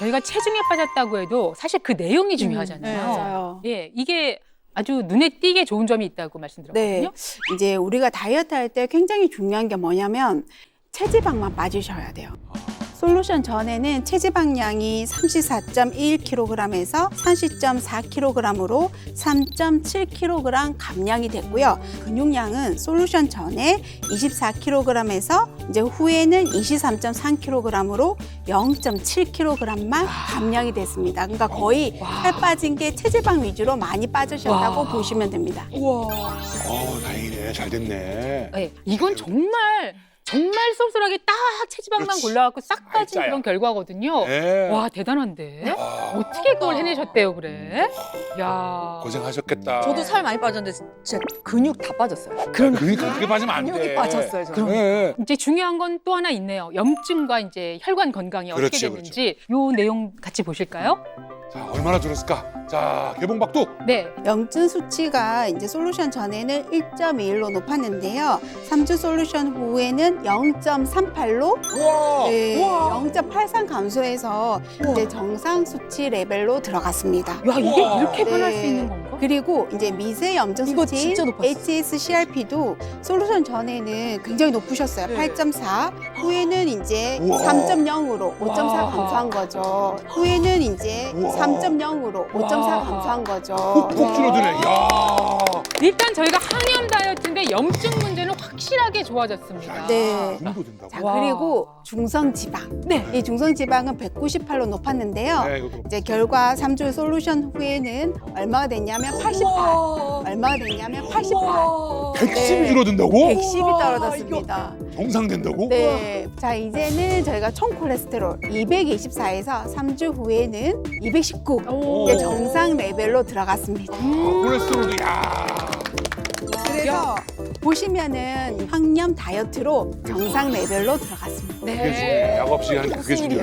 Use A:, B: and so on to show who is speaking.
A: 저희가 체중에 빠졌다고 해도 사실 그 내용이 중요하잖아요.
B: 맞아요.
A: 예, 이게 아주 눈에 띄게 좋은 점이 있다고 말씀드렸거든요.
B: 네. 이제 우리가 다이어트 할 때 굉장히 중요한 게 뭐냐면 체지방만 빠지셔야 돼요. 솔루션 전에는 체지방량이 34.1kg에서 30.4kg으로 3.7kg 감량이 됐고요. 근육량은 솔루션 전에 24kg에서 이제 후에는 23.3kg으로 0.7kg만 감량이 됐습니다. 그러니까 거의 살 빠진 게 체지방 위주로 많이 빠지셨다고
A: 와.
B: 보시면 됩니다.
C: 다행이네. 잘 됐네.
A: 예, 이건 정말 쏠쏠하게 딱 체지방만
C: 그렇지.
A: 골라갖고 싹 빠진
C: 알짜야.
A: 그런 결과거든요.
C: 네.
A: 와, 대단한데? 어떻게 그걸 해내셨대요, 그래? 야.
C: 고생하셨겠다.
D: 저도 살 많이 빠졌는데 진짜 근육 다 빠졌어요.
C: 그러니까 그렇게 빠지면 안 돼.
D: 근육이 빠졌어요, 저는.
C: 네.
A: 이제 중요한 건 또 하나 있네요. 염증과 이제 혈관 건강이 어떻게
C: 그렇죠,
A: 됐는지 요 내용 같이 보실까요?
C: 자, 얼마나 줄었을까? 자, 개봉박두.
A: 네.
B: 염증 수치가 이제 솔루션 전에는 1.21로 높았는데요. 3주 솔루션 후에는 0.38로
C: 우와.
B: 네,
C: 우와.
B: 0.83 감소해서 이제 정상 수치 레벨로 들어갔습니다.
A: 야, 이게
C: 우와.
A: 이렇게 변할
B: 네.
A: 수 있는 건가?
B: 그리고 이제 미세 염증
D: 이거
B: 수치인
D: 진짜 높았어요.
B: HSCRP도 솔루션 전에는 굉장히 높으셨어요.
D: 네.
B: 8.4. 후에는 이제
C: 우와.
B: 3.0으로 5.4
A: 와.
B: 감소한 거죠. 후에는 이제
C: 우와.
B: 3.0으로 5.4
A: 와.
B: 감소한 거죠.
C: 푹 줄어드네. 야.
A: 일단 저희가 항염 다이어트인데 염증 문제는 확실하게 좋아졌습니다.
B: 네.
C: 정도 된다고.
B: 자,
A: 와.
B: 그리고 중성지방.
A: 네.
B: 이 중성지방은 198로 높았는데요.
C: 네, 이것도.
B: 이제 결과 3주 솔루션 후에는 얼마가 됐냐면 88. 얼마가 됐냐면 88.
C: 110이
B: 네.
C: 줄어든다고?
B: 110이 떨어졌습니다.
C: 정상 된다고?
B: 네. 자, 이제는 저희가 총 콜레스테롤 224에서 3주 후에는 219.
A: 오.
B: 이제 정상 레벨로 들어갔습니다.
C: 콜레스테롤도 야.
B: 그래서 보시면은 항염 다이어트로 정상 레벨로 들어갔습니다.
C: 그게 중요해. 약 없이 하는 게 그게 중요해.